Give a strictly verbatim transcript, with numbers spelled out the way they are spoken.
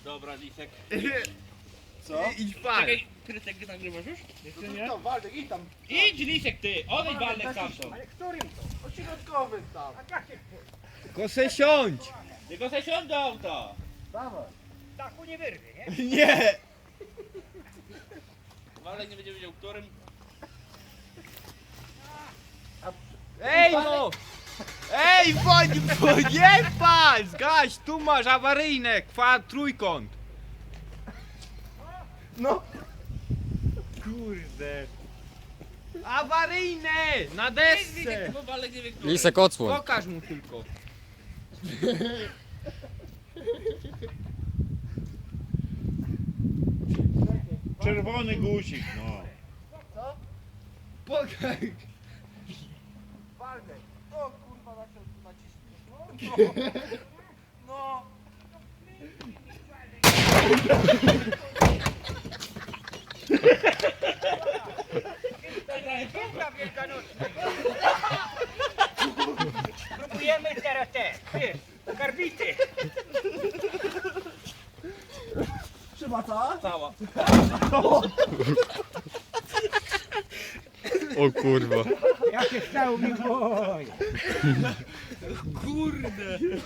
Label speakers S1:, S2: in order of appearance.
S1: Dobra, Lisek.
S2: Co?
S3: Idź pan.
S1: Czekaj, Krytek, nagrywasz już? Jeszcze nie?
S2: To Waldek, idź tam.
S1: Idź, Lisek, ty! Odejdź Waldek stamtąd.
S2: Ale którym to? Ośrodkowym tam. A jakie?
S3: Tylko se siądź.
S1: Tylko se siądź do auta.
S2: Dawaj.
S4: Dachu nie wyrwie, nie?
S3: Nie.
S1: Waldek nie będzie wiedział, którym.
S3: Ej no. Ej, bądź, bądź, nie pan. Zgaś, tu masz awaryjne, kwa trójkąt.
S2: No.
S3: Kurde. Awaryjne, na
S1: Lisek,
S3: desce.
S1: bo Waldek nie wie, którym.
S5: Lisek, odsłoń.
S3: Pokaż mu tylko.
S6: Czerwony guzik, no.
S3: Pokaż.
S2: Waldek. O kurwa, na to naciśnij. No. No.
S4: Piękna wielkanocna. Próbujemy teraz te, wiesz, karbity.
S2: Trzyma co?
S1: Cała.
S5: O kurwa.
S4: Ja się stał mi boję.
S3: Kurde.